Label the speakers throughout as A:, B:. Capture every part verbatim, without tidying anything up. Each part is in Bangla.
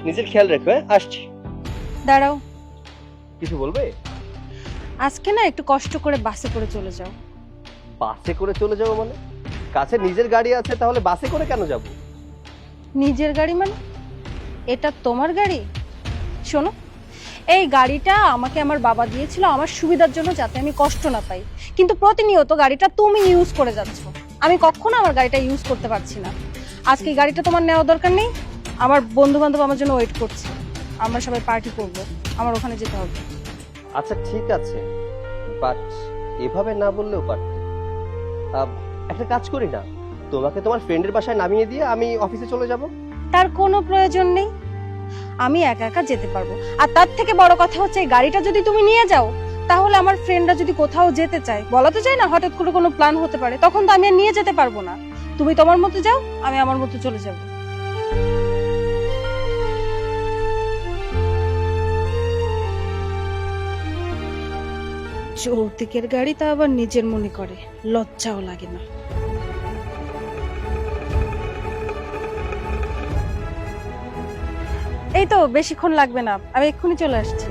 A: নিজের খেয়াল রেখো। হ্যাঁ, আসছি।
B: দাঁড়াও,
A: কিছু বলবে?
B: আজকে না একটু কষ্ট করে বাসে করে চলে যাও।
A: বাসে করে চলে যাবো মানে? কাছে নিজের গাড়ি আছে, তাহলে বাসে করে কেন যাব?
B: নিজের গাড়ি মানে? এটা তোমার গাড়ি? শোনো, এই গাড়িটা আমাকে আমার বাবা দিয়েছিল আমার সুবিধার জন্য, যাতে আমি কষ্ট না পাই। কিন্তু প্রতিনিয়ত গাড়িটা তুমি ইউজ করে যাচ্ছ, আমি কখনো আমার গাড়িটা ইউজ করতে পারছি না। আজকে এই গাড়িটা তোমার নেওয়া দরকার নেই। আমার বন্ধু বান্ধব আমার জন্য ওয়েট করছে, আমরা সবাই পার্টি করব, আমার ওখানে যেতে হবে।
A: আচ্ছা ঠিক আছে, বাট এভাবে না বললেও পারতে। আহ, একটা কাজ করি না, তোমাকে তোমার ফ্রেন্ডের বাসায় নামিয়ে দিয়ে আমি অফিসে চলে যাব।
B: তার কোনো প্রয়োজন নেই, আমি একা একা যেতে পারবো। আর তার থেকে বড় কথা হচ্ছে, এই গাড়িটা যদি তুমি নিয়ে যাও, তাহলে আমার ফ্রেন্ডরা যদি কোথাও যেতে চায়, বলা তো যায় না, হঠাৎ করে কোনো প্ল্যান হতে পারে, তখন তো আমি আর নিয়ে যেতে পারবো না। তুমি তোমার মতো যাও, আমি আমার মতো চলে যাব। যৌতুকের গাড়ি তা আবার নিজের মনে করে, লজ্জাও লাগে না। এই তো, বেশিক্ষণ লাগবে না, আমি এক্ষুনি চলে আসছি।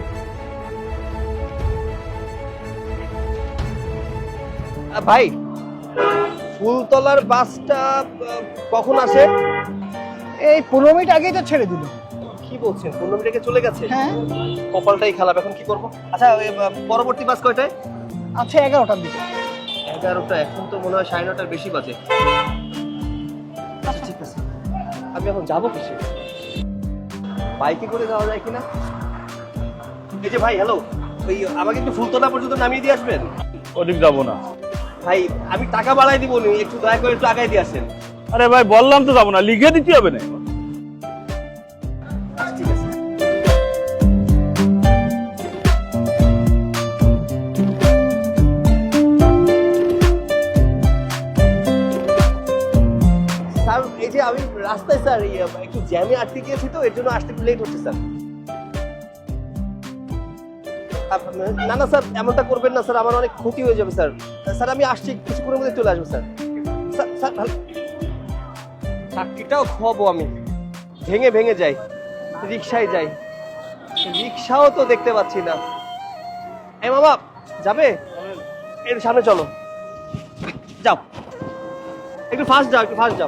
A: আহ, ভাই, ফুলতলার বাসটা আহ, কখন আসে?
C: এই পনেরো মিনিট আগেই তো ছেড়ে দিল।
A: কি বলছেন, পনেরো মিনিট আগে চলে গেছে?
C: হ্যাঁ,
A: কপালটাই খারাপ, এখন কি করবো? আচ্ছা, ওই, আহ, পরবর্তী বাস কয়টায়?
C: আছে এগারোটার দিকে।
A: এগারোটা? এখন তো মনে হয় সাড়ে নটার বেশি বাজে। আচ্ছা ঠিক আছে, আমি এখন যাবো কিসে? বাইকে করে যাওয়া যায় কিনা? এই যে ভাই, হ্যালো, ওই আমাকে একটু ফুলতলা পর্যন্ত নামিয়ে দিয়ে আসবেন।
D: ওদিক যাবো না।
A: ভাই, আমি টাকা বাড়াই দিব নি, একটু দয়া করে একটু আগাই দিয়ে আসেন।
D: আরে ভাই, বললাম তো যাবো না, লিখে দিতে হবে না।
A: আচ্ছা ঠিক আছে। স্যার, এই যে আমি রাস্তায় স্যার এই, একটু জ্যামে আটকে গিয়েছি, তো এর জন্য আসতে একটু লেট হচ্ছে স্যার। আপ- না না স্যার, এমনটা করবেন না স্যার, আমার অনেক ক্ষতি হয়ে যাবে স্যার। স্যার আমি আসছি, কিছুক্ষণের মধ্যে চলে আসবো স্যার। স্যার স্যার ভালো, চাকরিটাও খোয়াবো আমি, ভেঙে ভেঙে যাই, রিক্সায় যাই, রিক্সাও তো দেখতে পাচ্ছি না। এ মামা, যাবে? এর সামনে চলো, যাও, একটু ফাস্ট যাও, একটু ফাস্ট যাও।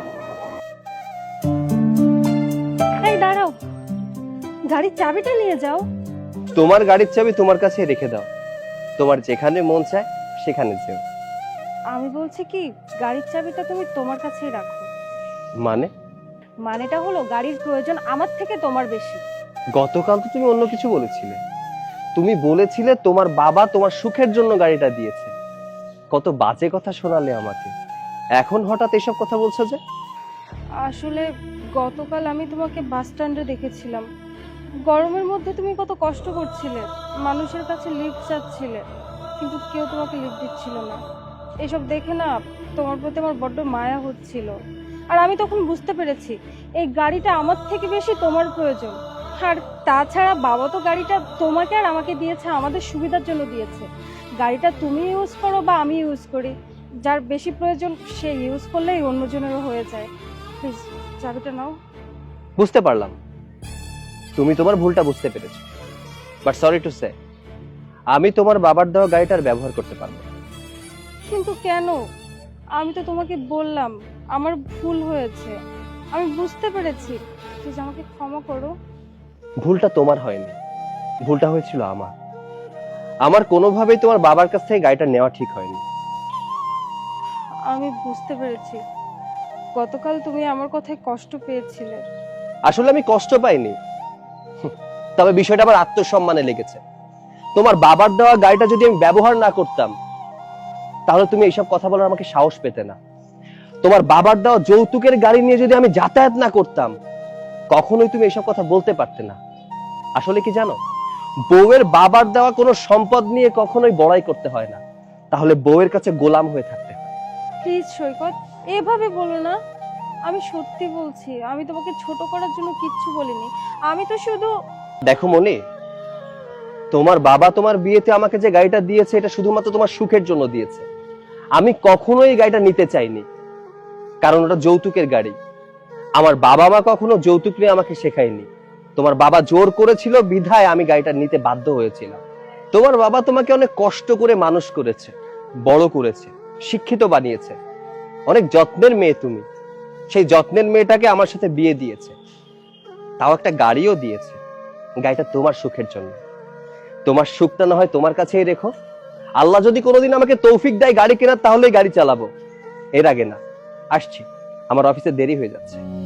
B: এই দাঁড়াও, গাড়ির চাবিটা নিয়ে যাও।
A: তোমার গাড়ির চাবি তোমার কাছে রেখে দাও, তোমার যেখানে মন চায় সেখানে যেও।
B: আমি বলছি কি, গাড়ির চাবিটা তুমি তোমার কাছেই রাখো।
A: মানে?
B: মানেটা হলো, গাড়ির প্রয়োজন আমার থেকে তোমার বেশি।
A: গতকাল তো তুমি অন্য কিছু বলেছিলে, তুমি বলেছিলে তোমার বাবা তোমার সুখের জন্য গাড়িটা দিয়েছে। কত বাজে কথা শোনালে আমাকে, এখন হঠাৎ এসব কথা বলছো যে?
B: আসলে গতকাল আমি তোমাকে বাস স্ট্যান্ডে দেখেছিলাম, গরমের মধ্যে তুমি কত কষ্ট করছিলে, মানুষের কাছে লিফট চাচ্ছিলে, কিন্তু কেউ তোমাকে লিফট দিচ্ছিল না। এসব দেখে না তোমার প্রতি আমার বড্ড মায়া হচ্ছিল। আর আমি তখন বুঝতে পেরেছি, এই গাড়িটা আমার থেকে বেশি তোমার প্রয়োজন। আর তাছাড়া বাবা তো গাড়িটা তোমাকে আর আমাকে দিয়েছে আমাদের সুবিধার জন্য দিয়েছে। গাড়িটা তুমি ইউজ করো বা আমি ইউজ করি, যার বেশি প্রয়োজন সে ইউজ করলেই অন্যজনেরও হয়ে যায়। প্লিজ চাবিটা নাও।
A: বুঝতে পারলাম, তুমি তোমার ভুলটা বুঝতে পেরেছো, বাট সরি টু সে, আমি তোমার বাবার দেওয়া গাড়িটার ব্যবহার করতে পারবো না।
B: কিন্তু কেন? আমি তো তোমাকে বললাম আমার ভুল হয়েছে, আমি বুঝতে পেরেছি, প্লিজ আমাকে ক্ষমা করো।
A: ভুলটা তোমার হয়নি, ভুলটা হয়েছিল আমার। আমার কোনোভাবেই তোমার বাবার কাছ থেকে গাড়িটা নেওয়া ঠিক হয়নি।
B: আমি বুঝতে পেরেছি, গতকাল তুমি আমার কথায় কষ্ট পেয়েছিলে।
A: আসলে আমি কষ্ট পাইনি, তবে বিষয়টা আমার আত্মসম্মানে লেগেছে। তোমার বাবার দেওয়া গাড়িটা যদি আমি ব্যবহার না করতাম, তাহলে তুমি এইসব কথা বলার আমাকে সাহস পেতে না। তোমার বাবার দেওয়া যৌতুকের গাড়ি নিয়ে যদি আমি যাতায়াত না করতাম, কখনোই তুমি এইসব কথা বলতে পারতে না। আসলে কি জানো, বউয়ের বাবার দেওয়া কোনো সম্পদ নিয়ে কখনোই বড়াই করতে হয় না, তাহলে বউয়ের কাছে গোলাম হয়ে থাকতে হয়।
B: প্লিজ সৈকত, এভাবে বলো না। আমি সত্যি বলছি, আমি তোমাকে ছোট করার জন্য কিচ্ছু বলিনি, আমি তো শুধু।
A: দেখো মনি, তোমার বাবা তোমার বিয়েতে আমাকে যে গাড়িটা দিয়েছে, এটা শুধুমাত্র তোমার সুখের জন্য দিয়েছে। আমি কখনোই এই গাড়িটা নিতে চাইনি, কারণ ওটা যৌতুকের গাড়ি। আমার বাবা মা কখনো যৌতুক নিয়ে আমাকে শেখায়নি। তোমার বাবা জোর করেছিল বিধায় আমি গাড়িটা নিতে বাধ্য হয়েছিলাম। তোমার বাবা তোমাকে অনেক কষ্ট করে মানুষ করেছে, বড় করেছে, শিক্ষিত বানিয়েছে। অনেক যত্নের মেয়ে তুমি। সেই যত্নের মেয়েটাকে আমার সাথে বিয়ে দিয়েছে, তাও একটা গাড়িও দিয়েছে। গাড়িটা তোমার সুখের জন্য। তোমার সুখটা না হয় তোমার কাছেই রেখো। আল্লাহ যদি কোনোদিন আমাকে তৌফিক দেয় গাড়ি কেনার, তাহলেই গাড়ি চালাবো, এর আগে না। আসছি, আমার অফিসে দেরি হয়ে যাচ্ছে।